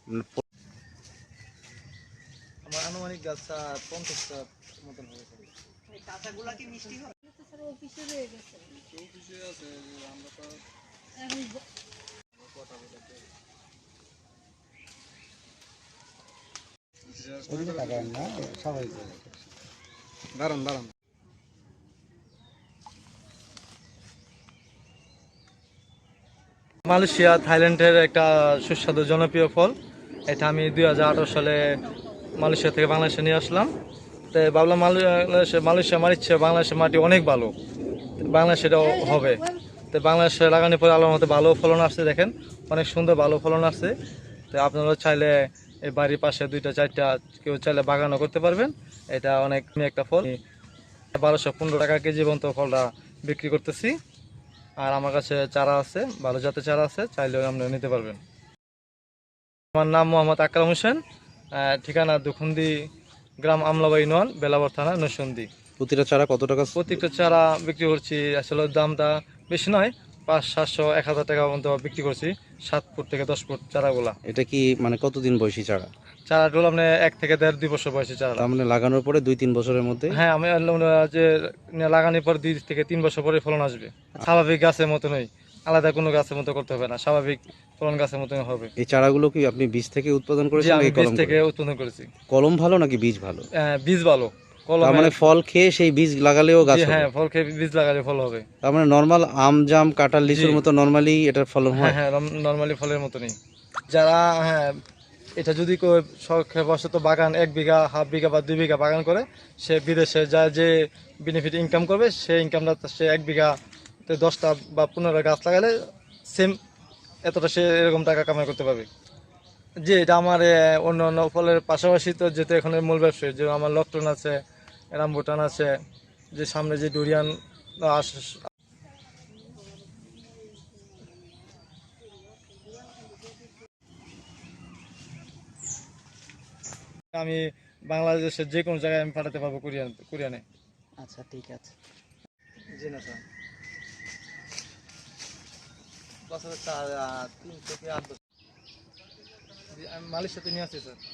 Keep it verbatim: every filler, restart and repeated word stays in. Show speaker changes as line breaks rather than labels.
আমার আনুমানিক গাছটা পঞ্চাশটা মতন হবে। কাঁচাগুলা কি মিষ্টি হয়? অফিসে রয়ে গেছে, অফিসে আছে আমরা তো এখন কথা বলতে ওদিকে তাকান না, সবাই দাঁড়ান দাঁড়ান। মালয়েশিয়া থাইল্যান্ডের একটা সুস্বাদু জনপ্রিয় ফল। এটা আমি দুই হাজার আঠারো সালে মালয়েশিয়া থেকে বাংলাদেশে নিয়ে আসলাম। তো ভাবলাম মালয়েশিয়া মালয়েশিয়া মারিচ্ছে, বাংলাদেশের মাটি অনেক ভালো, বাংলাদেশে এটাও হবে। তো বাংলাদেশে লাগানোর পরে আল্লাহর মতো ভালো ফলন আসছে, দেখেন অনেক সুন্দর ভালো ফলন আসছে। তো আপনারা চাইলে এই বাড়ির পাশে দুইটা চারটা কেউ চাইলে বাগানও করতে পারবেন। এটা অনেক একটা ফল, বারোশো পনেরো টাকা কেজি পর্যন্ত ফলটা বিক্রি করতেছি। আর আমার কাছে চারা আছে, ভালো জাতের চারা আছে, চাইলেও আপনারা নিতে পারবেন। আমার নাম মোহাম্মদ আকরাম হোসেন, ঠিকানা দুখুন্দি গ্রাম, আমলাবাড়ি নন, বেলাবর থানা, নরসিংদী।
প্রতিটা চারা কত টাকা?
প্রত্যেকটা চারা বিক্রি করছি, আসলে দামটা বেশি নয়, পাঁচ সাতশো এক হাজার টাকা মতো বিক্রি করছি, সাত ফুট থেকে দশ ফুট চারাগুলা।
এটা কি মানে কতদিন বয়সী চারা?
চারাগুলো মানে এক থেকে দেড় দুই বছর বয়সী চারা।
তার মানে লাগানোর পরে দুই তিন বছরের মধ্যে?
হ্যাঁ, আমি যে লাগানোর পর দুই থেকে তিন বছর পরে ফলন আসবে। স্বাভাবিক গাছের মতনই, আলাদা কোনো গাছের মতো করতে হবে না, স্বাভাবিক ফলন গাছের মতনই হবে।
এই চারাগুলো কি আপনি বীজ থেকে উৎপাদন করেছেন?
আমি বীজ থেকে উৎপাদন করেছি।
কলম ভালো নাকি বীজ ভালো?
বীজ ভালো।
তার মানে ফল খেয়ে সেই বীজ লাগালেও গাছ হবে?
হ্যাঁ, ফল খেয়ে বীজ লাগালে ফল হবে।
তার মানে নরমাল আম, জাম, কাঁঠাল, লিচুর মতো নরমালি এটার ফলন হয়?
হ্যাঁ, নরমালি ফলের মতনই। যারা হ্যাঁ এটা যদি শখবশত বাগান এক বিঘা, হাফ বিঘা বা দুই বিঘা বাগান করে, সে বিদেশে যা যে বেনিফিট ইনকাম করবে, সেই ইনকামটা সে এক বিঘা দশটা বা পনেরো গাছ লাগালে সেম এতটা সে এরকম টাকা কামাই করতে পারবে। যে এটা আমার অন্য অন্য ফলের পাশাপাশি তো যেহেতু এখানে মূল ব্যবসায়ী, যে আমার লকটন আছে, রামবুটান আছে, যে সামনে যে ডুরিয়ান আমি বাংলাদেশের যে কোনো জায়গায় আমি পাঠাতে পারবো কোরিয়ান কোরিয়ানে।
আচ্ছা, ঠিক আছে।
জি না স্যার, পাঁচ হাজার তিন থেকে আট বছর আমি মালয়েশিয়াতে নিয়ে আসছি স্যার।